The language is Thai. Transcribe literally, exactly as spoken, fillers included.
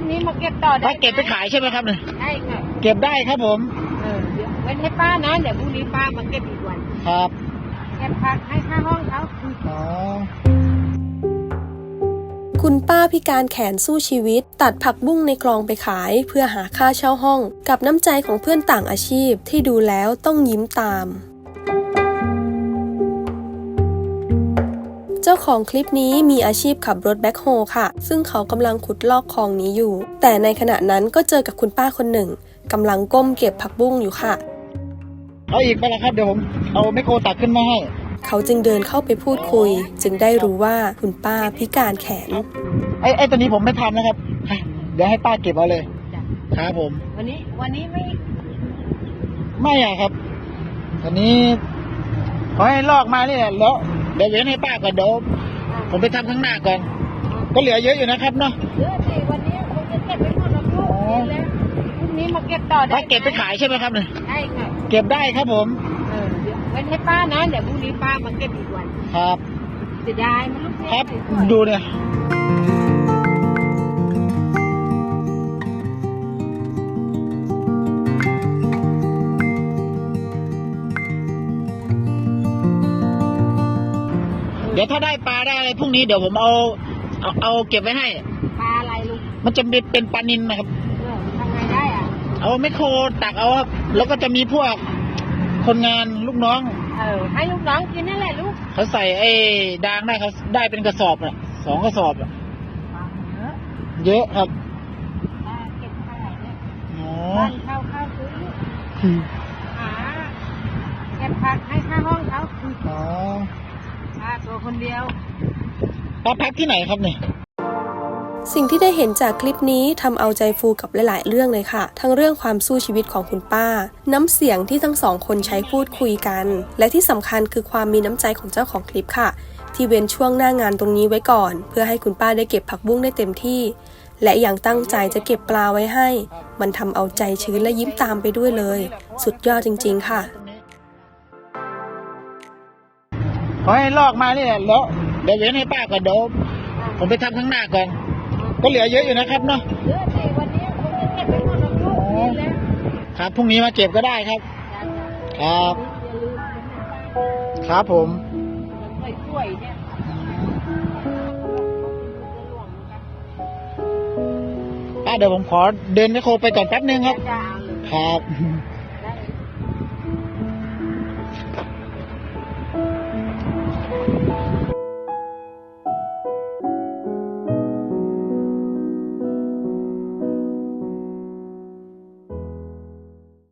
นี้มาเก็บต่อได้ป้าเก็บไปขายใช่ไหมครับเนี่ยใช่ค่ะเก็บได้ครับผมเออเดี๋ยวไว้ให้ป้านะเดี๋ยวพรุ่งนี้ป้ามาเก็บอีกวันครับเก็บผักให้ค่าห้องเขาอ๋อคุณป้าพิการแขนสู้ชีวิตตัดผักบุ้งในคลองไปขายเพื่อหาค่าเช่าห้องกับน้ำใจของเพื่อนต่างอาชีพที่ดูแล้วต้องยิ้มตามเจ้าของคลิปนี้มีอาชีพขับรถแบ็คโฮค่ะซึ่งเขากำลังขุดลอกคลองนี้อยู่แต่ในขณะนั้นก็เจอกับคุณป้าคนหนึ่งกำลังก้มเก็บผักบุ้งอยู่ค่ะเอาอีกไปละครับเดี๋ยวผมเอาไมโครตักขึ้นมาให้เขาจึงเดินเข้าไปพูดคุยจึงได้รู้ว่าคุณป้าพิการแขนไอ้ไอ้ตัวนี้ผมไม่ทำนะครับเดี๋ยวให้ป้าเก็บเอาเลยครับผมวันนี้วันนี้ไม่ไม่อะครับวันนี้ขอให้ลอกมาเนี่ยแล้วเดี๋ยวเว้นให้ป้าก่อนเดี๋ยวผมไปทำข้างหน้าก่อนก็เหลือเยอะอยู่นะครับเนาะเยอะสิวันนี้ผมจะเก็บไปหมดแล้วลูกแล้วพรุ่งนี้มาเก็บต่อได้ป้าเก็บไปขายใช่ไหมครับเนี่ยใช่ค่ะเก็บได้ครับผมเออเดี๋ยวไว้ให้ป้านะเดี๋ยวพรุ่งนี้ป้ามาเก็บอีกวันครับเสียดายมันลูกครับดูเนี่ยเดี๋ยวถ้าได้ปลาได้อะไรพรุ่งนี้เดี๋ยวผมเอาเอาเอาเก็บไว้ให้ปลาอะไรลูกมันจะเป็นปลานิลนะครับเออทำไงได้อ่ะเอาไมโครตักเอาครับแล้วก็จะมีพวกคนงานลูกน้องเออให้ลูกน้องกินนั่นแหละลูกเขาใส่ไอ้ดางได้เขาได้เป็นกระสอบอ่ะสองกระสอบอ่ะเยอะเยอะครับเก็บเท่าไหร่เนี่ยอ๋อบ้านเข้าเข้าซื้อหาเก็บผักให้ค่าห้องเขาอ๋อป้าตัวคนเดียวป้าพักที่ไหนครับเนี่ยสิ่งที่ได้เห็นจากคลิปนี้ทำเอาใจฟูกับหลายๆเรื่องเลยค่ะทั้งเรื่องความสู้ชีวิตของคุณป้าน้ำเสียงที่ทั้งสองคนใช้พูดคุยกันและที่สำคัญคือความมีน้ำใจของเจ้าของคลิปค่ะที่เว้นช่วงหน้างานตรงนี้ไว้ก่อนเพื่อให้คุณป้าได้เก็บผักบุ้งได้เต็มที่และยังตั้งใจจะเก็บปลาไว้ให้มันทำเอาใจชื้นและยิ้มตามไปด้วยเลยสุดยอดจริงๆค่ะขอให้ลอกมาเนี่ยแล้วเดี๋ยวเว้นให้ป้าก่อนเดี๋ยวผมไปทำข้างหน้าก่อนก็เหลือเยอะอยู่นะครับเนาะเยอะสิวันนี้ผมจะเก็บไปหมดแล้วลูกแล้วครับพรุ่งนี้มาเก็บก็ได้ครับครับครับผมกล้วยเนี่ยป้าเดี๋ยวผมขอเดินไมโครไปก่อนแป๊บนึงครับครับ